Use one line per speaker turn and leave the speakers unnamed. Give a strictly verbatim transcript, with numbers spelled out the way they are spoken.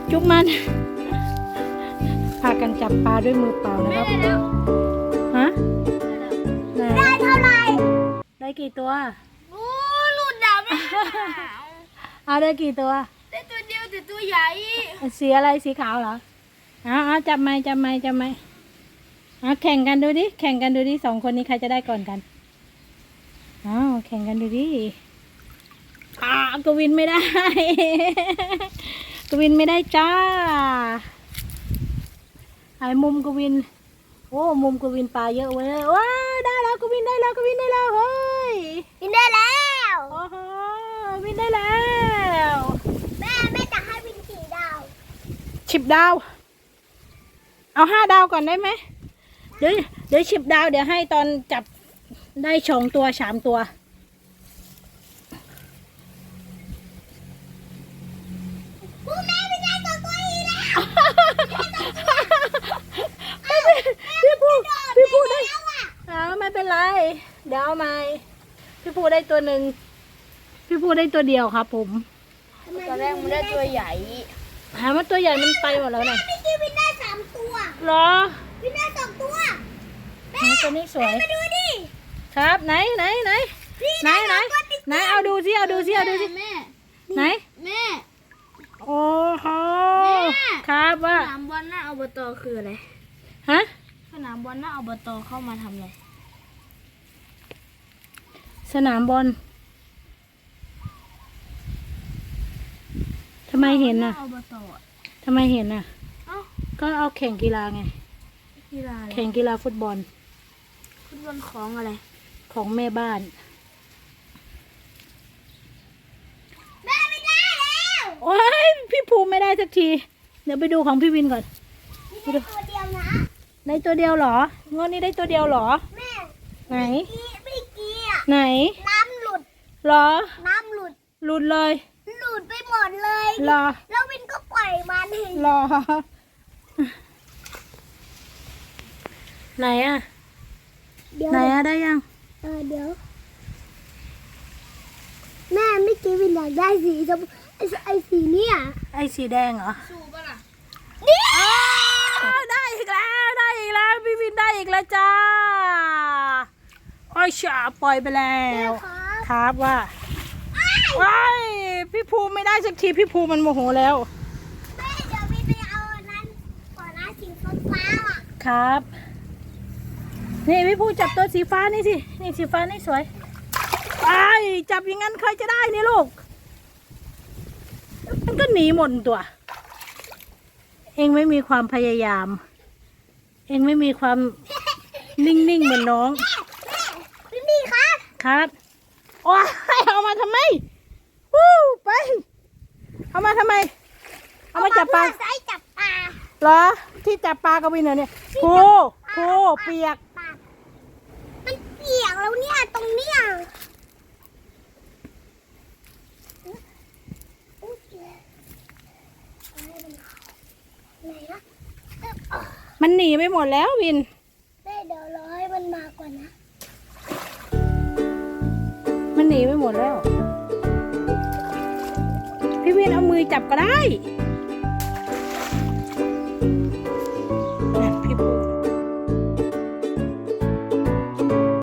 จุ๊บมันพากันจับปลาด้วยมือเปล่านะครับฮะ
ได้เท่าไหร่
ได้กี่ตัว
โอ้หลุดดาวไม่
เอาได้กี่ตัว
ได้ตัวเดียวแต่ตัวใหญ่
สีอะไรสีขาวเหรออ๋อจับไม้จับไม้จับไม้อ๋อแข่งกันดูดิแข่งกันดูดิสองคนนี้ใครจะได้ก่อนกันอ๋อแข่งกันดูดิอ่ากวินไม่ได้กวินไม่ได้จ้าไอ้มุมกวินโอ้มุมกวินปลาเยอะเว้ยว้าได้แล้วกวินได้แล้วกวินได้แล้วเฮ้ย
วินได้แล้ว
โอ้โหวินได้แล้ว
แม่แม่จะให้วินกี่ดาว
สิบดาวเอาห้าดาวก่อนได้ไหมเดี๋ยวเดี๋ยวสิบดาวเดี๋ยวให้ตอนจับได้สองตัวสามตัว
ผู้แม่ไม่ได้ตัวตัวอีแล้ว
พี่พูพี่พูได้เอาไม่เป็นไรเดี๋ยวเอาใหม่พี่พูได้ตัวหนึ่งพี่พูได้ตัวเดียวครับผม
ตอนแรกมันได้ตัวใหญ่
หาว่าตัวใหญ่มันไปหมดแล้วนะ
เมื่อกี้วินได้สามตัว
หรอ
วินได้สองตัว
แม่ตัวนี้สวย
มาดูดิ
ครับไหนไหนไหนไหนไหนไหนเอาดูสิเอาดูสิเอาดูสิไหน
แม่
โอ้โหครับว่า
สนามบอลหน้าอบตคืออะไร
ฮะ
สนามบอลหน้าอบตเข้ามาทำอะไร
สนามบอลทำไมเห็นน่ะทำไมเห็นน่ะก็เอาแข่งกีฬาไง
กีฬา
แข่งกีฬาฟุตบอล
ฟุตบอลของอะไร
ของแม่บ้าน
แม่ไม่ได้แล้ว
โอ้ยพี่ภูมิไม่ได้สักทีเดี๋ยวไปดูของพี่วินก่อน
ได้ตัวเดียวนะ
ได้ตัวเดียวเหรองวดนี้ได้ตัวเดียวเหรอ
แม่
ไหน
ไม่กี้อ่ะ
ไหน
น้ำหลุด
เหรอ
น้ำหลุด
หลุดเลย
หลุดไปหมดเลย
เหรอ
แล้ววินก็ปล่อยมันเอง
เหรอไหนอ่ะไหนอ่ะได้ยัง
เออเดี๋ยวแม่ไม่กี้วินอยากได้สีชมพูไอ้ไอ้สีเนี่ย
ไอ้สีแดงเหรอ
สูบล่ะ
นี่ได้อีกแล้วได้อีกแล้วพี่วินได้อีกแล้วจ้าโอ้ยฉาปล่อยไปแล้วครับว่าว้ายพี่ภูไม่ได้สักทีพี่ภูมันโมโหแล้ว
แม่เดี๋ยววินไปเอานั้นก่อนนะสีฟ้าอ่ะ
ครับนี่พี่ภูจับตัวสีฟ้านี่สินี่สีฟ้านี่สวยไอ้จับอย่างนั้นใครจะได้นี่ลูกมันก็หนีหมดตัวเองไม่มีความพยายามเองไม่มีความนิ่งๆเหมือนน้อง
พี่พี่ครับ
ครับโอ้ยเอามาทำไมวู้ไปเอามาทำไมเอามาจับปลา
ใส่จับปลา
เหรอที่จับปลากระวินเหรอเนี่ยภูภูเปียก
มันเปียกแล้วเนี่ยตรงเนี้ย
มันหนีไปหมดแล้ววิน
แม่เดี๋ยวรอให้มันมาก่อนนะ
มันหนีไปหมดแล้วพี่วินเอามือจับก็ได้